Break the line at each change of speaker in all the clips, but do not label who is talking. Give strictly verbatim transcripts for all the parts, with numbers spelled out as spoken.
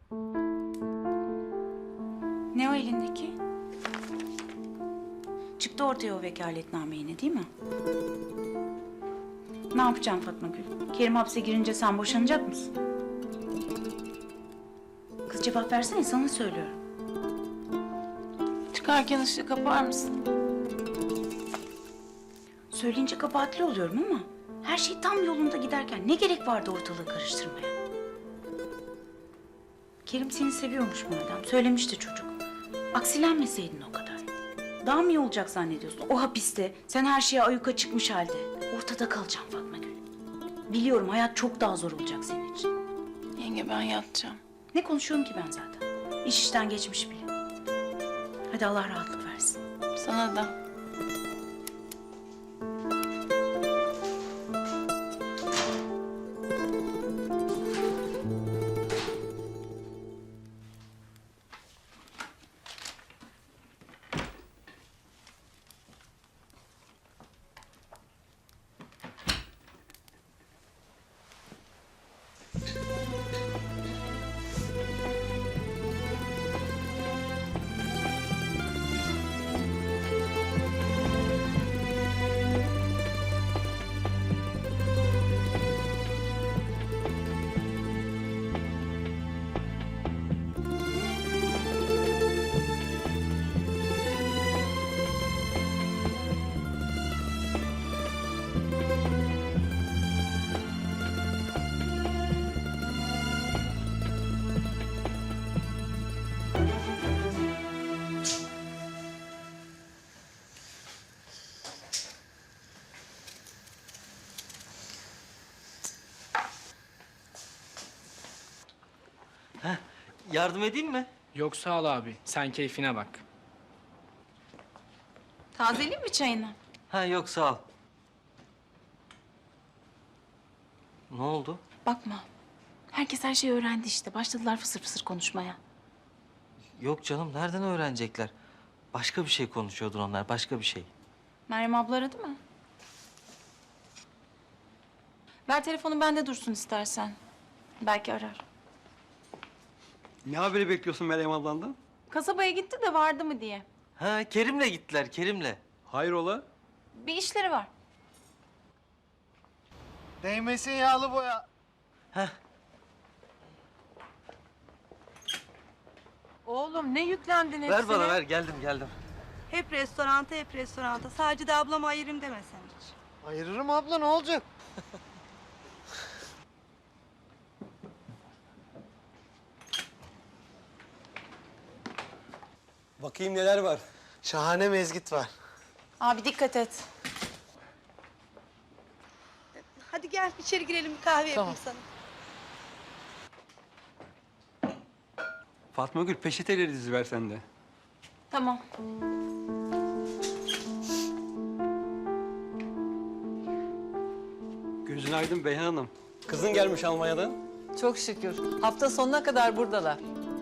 Ne o elindeki? Çıktı ortaya o vekaletname yine değil mi? Ne yapacağım Fatma Gül? Kerim hapse girince sen boşanacak mısın? Kız cevap versene, sana söylüyorum.
Çıkarken ışığı kapar mısın?
Söyleyince kabahatli oluyorum ama her şey tam yolunda giderken ne gerek vardı ortalığı karıştırmaya? Kerim seni seviyormuş madem. Söylemişti çocuk. Aksilenmeseydin o kadar. Daha mı iyi olacak zannediyorsun? O hapiste sen her şeye ayyuka çıkmış halde. Ortada kalacaksın Fatma Gül. Biliyorum hayat çok daha zor olacak senin için.
Yenge ben yatacağım.
Ne konuşuyorum ki ben zaten? İş işten geçmiş bile. Hadi Allah rahatlık versin.
Sana da.
Heh, yardım edeyim mi?
Yok sağ ol abi. Sen keyfine bak.
Tazeleyeyim mi çayını?
Ha yok sağ ol. Ne oldu?
Bakma. Herkes her şeyi öğrendi işte. Başladılar fısır fısır konuşmaya.
Yok canım nereden öğrenecekler? Başka bir şey konuşuyordur onlar, başka bir şey.
Meryem abla aradı mı? Ver telefonu bende dursun istersen. Belki arar.
Ne haberi bekliyorsun Meryem ablandan?
Kasabaya gitti de vardı mı diye.
Ha Kerim'le gittiler, Kerim'le.
Hayrola?
Bir işleri var.
Değmesin yağlı boya.
Heh,
Oğlum ne yüklendin hepsine?
ver bana ver, geldim geldim.
Hep restoranta, hep restoranta. Sadece de ablama ayırayım demesen hiç.
Ayırırım abla, ne olacak?
Bakayım neler var.
Şahane mezgit var.
Abi dikkat et.
Hadi gel içeri girelim, bir kahve yapayım sana.
Fatma Gül peçeteleri diziver sen de.
Tamam.
Gözün aydın Beyhan Hanım. Kızın gelmiş Almanya'dan.
Çok şükür. Hafta sonuna kadar buradalar.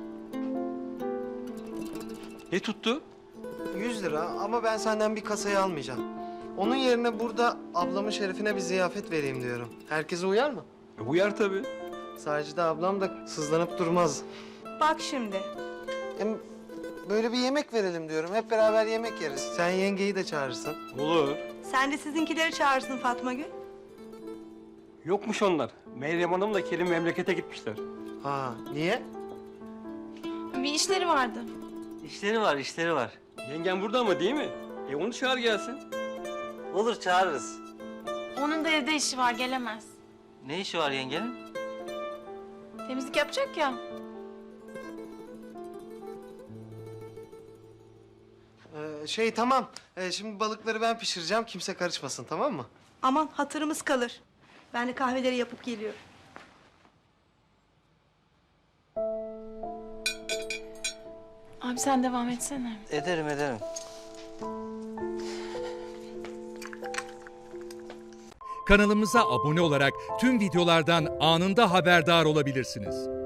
Ne tuttu?
Yüz lira ama ben senden bir kasayı almayacağım. Onun yerine burada ablamın şerefine bir ziyafet vereyim diyorum. Herkese uyar mı?
E, uyar tabii.
Sadece ablam da sızlanıp durmaz.
Bak şimdi.
Hem böyle bir yemek verelim diyorum. Hep beraber yemek yeriz. Sen yengeyi de çağırırsın.
Olur.
Sen de sizinkileri çağırsın Fatma Gül.
Yokmuş onlar. Meryem Hanım'la Kerim memlekete gitmişler.
Ha, niye?
Bir işleri vardı.
İşleri var, işleri var.
Yengen burada ama değil mi? E onu çağır gelsin.
Olur çağırırız.
Onun da evde işi var, gelemez.
Ne işi var yengenin?
Temizlik yapacak ya.
Ee, şey tamam. Ee, şimdi balıkları ben pişireceğim. Kimse karışmasın, tamam mı?
Aman hatırımız kalır. Ben de kahveleri yapıp geliyorum.
Abi sen devam etsene.
Ederim, ederim.
Kanalımıza abone olarak tüm videolardan anında haberdar olabilirsiniz.